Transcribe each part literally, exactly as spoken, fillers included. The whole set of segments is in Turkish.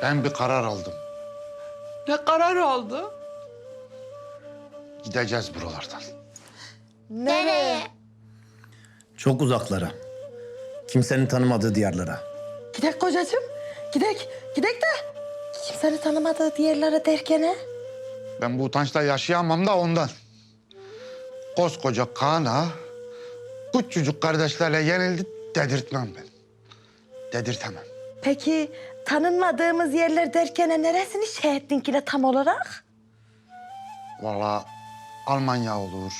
Ben bir karar aldım. Ne karar aldı? Gideceğiz buralardan. Nereye? Çok uzaklara. Kimsenin tanımadığı diyarlara. Gidek kocacığım. Gidek. Gidek de kimsenin tanımadığı diğerlere derken he? Ben bu utançla yaşayamam da ondan. Koskoca Kaan'a küçücük kardeşlerle yenildi dedirtmem ben. Dedirtemem. Peki tanınmadığımız yerler derken neresini şey ettin ki de tam olarak? Vallahi Almanya olur.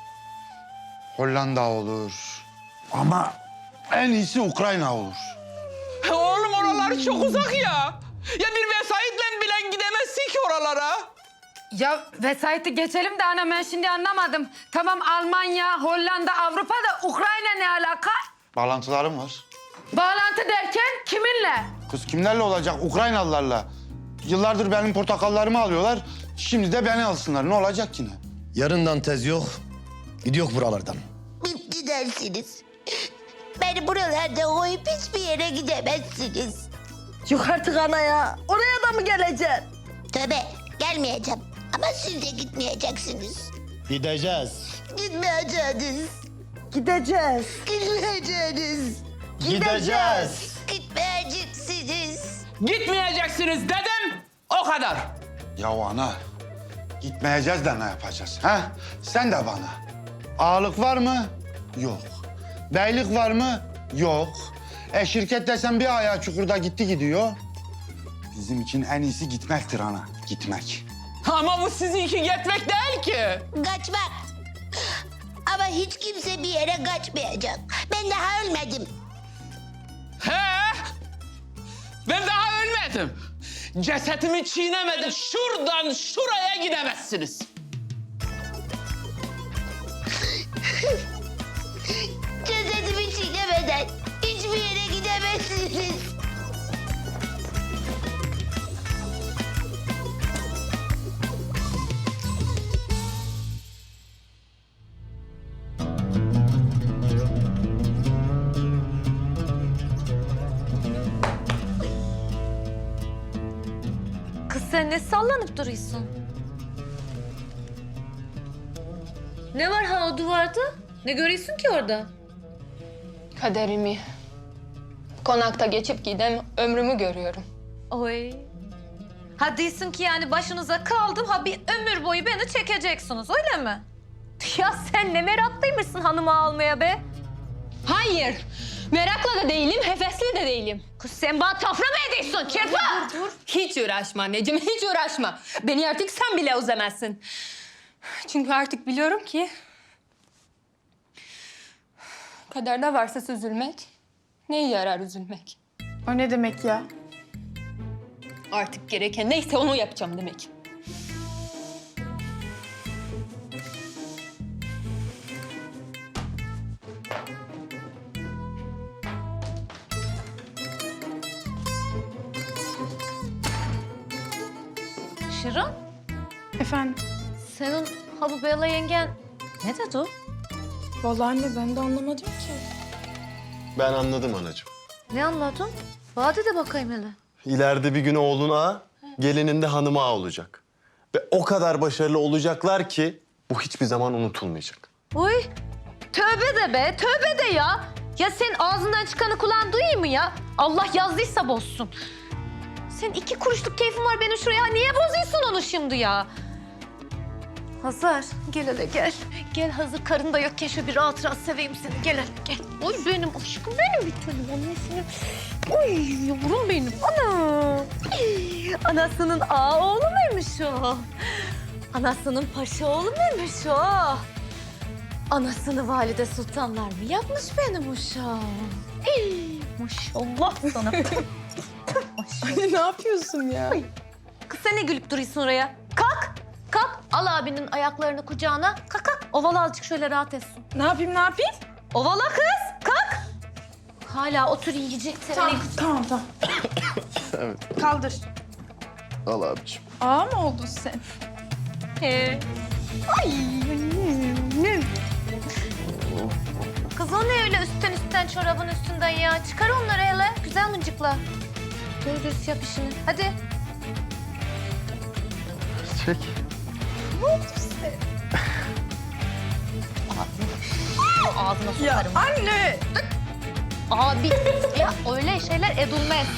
Hollanda olur. Ama en iyisi Ukrayna olur. Oğlum oralar çok uzak ya. Ya bir vesayetle bile gidemezsin ki oralara. Ya vesayeti geçelim de ana ben şimdi anlamadım. Tamam Almanya, Hollanda, Avrupa'da Ukrayna ne alaka? Bağlantılarım var. Bağlantı derken kiminle? Kız kimlerle olacak? Ukraynalılarla. Yıllardır benim portakallarımı alıyorlar. Şimdi de beni alsınlar. Ne olacak ki ne? Yarından tez yok. Gidiyor buralardan. Biz gidersiniz. Beni buralarda koyup hiçbir yere gidemezsiniz. Yok artık ana ya. Oraya da mı geleceksin? Tabii gelmeyeceğim. Ama siz de gitmeyeceksiniz. Gideceğiz. Gitmeyeceksiniz. Gideceğiz. Gitmeyeceksiniz. Gideceğiz. Gitmeyeceksiniz. Gitmeyeceksiniz dedim. O kadar. Ya ana, gitmeyeceğiz de ne yapacağız? Ha? Sen de bana. Ağalık var mı? Yok. Beylik var mı? Yok. E şirket desem bir ayağı çukurda gitti gidiyor. Bizim için en iyisi gitmektir ana, gitmek. Ama bu sizinki gitmek değil ki. Kaçmak. Ama hiç kimse bir yere kaçmayacak. Ben daha ölmedim. He? Ben daha ölmedim. Cesetimi çiğnemedim. Şuradan şuraya gidemezsiniz. Cesedimi çiğnemeden hiçbir yere gidemezsiniz. Kız sen ne sallanıp duruyorsun? Ne var ha o duvarda? Ne görüyorsun ki orada? Kaderimi. Konakta geçip gidem ömrümü görüyorum. Oy. Ha diyorsun ki yani başınıza kaldım ha bir ömür boyu beni çekeceksiniz öyle mi? Ya sen ne meraklıymışsın hanımı almaya be. Hayır. Merakla da değilim, hevesli de değilim. Kız sen bana tafra mı ediyorsun kirpa? Dur, dur. Hiç uğraşma anneciğim, hiç uğraşma. Beni artık sen bile üzemezsin. Çünkü artık biliyorum ki... kaderde varsa üzülmek, neye yarar üzülmek? O ne demek ya? Artık gereken neyse onu yapacağım demek. Şirin Efendim? senin ha bu Bella yengen ne dedi o? Vallahi anne ben de anlamadım ki. Ben anladım anacığım. Ne anladın? Bana de bakayım hele. İleride bir gün oğlun ağa, gelinin de hanımı ağa olacak. Ve o kadar başarılı olacaklar ki bu hiçbir zaman unutulmayacak. Uy tövbe de be tövbe de ya. Ya senin ağzından çıkanı kulağın duyuyor mu ya? Allah yazdıysa bozsun. Senin iki kuruşluk keyfin var benim şuraya. Niye bozuyorsun onu şimdi ya? Hazar gel hele gel. Gel hazır karın da yokken şöyle bir rahat rahat seveyim seni. Gel hele gel. Oy benim aşkım benim bir tanem annesinin. Oy yavrum benim. Ana. Anasının ağa oğlu muymuş o? Anasının paşa oğlu muymuş o? Anasını valide sultanlar mı yapmış benim uşağım? Hey, maşallah sana. Anne ne yapıyorsun ya? Kız sen ne gülüp duruyorsun oraya? Kalk, kalk. Al abinin ayaklarını kucağına. Kalk, kalk. Ovala azıcık şöyle rahat etsin. Ne yapayım ne yapayım? Ovala kız, kalk. Hala otur yiyecek seni. Tamam tamam tamam. Evet. Kaldır. Al abiciğim. Ağa mı oldun sen? He. Ay annem. Kız o ne öyle üstten üstten çorabın üstünden ya? Çıkar onları hele. Güzel mıncıkla. Doğru dürüst yap işini. Hadi. Çek. Ağzına Ya sokarım. anne. Abi ya öyle şeyler edilmez.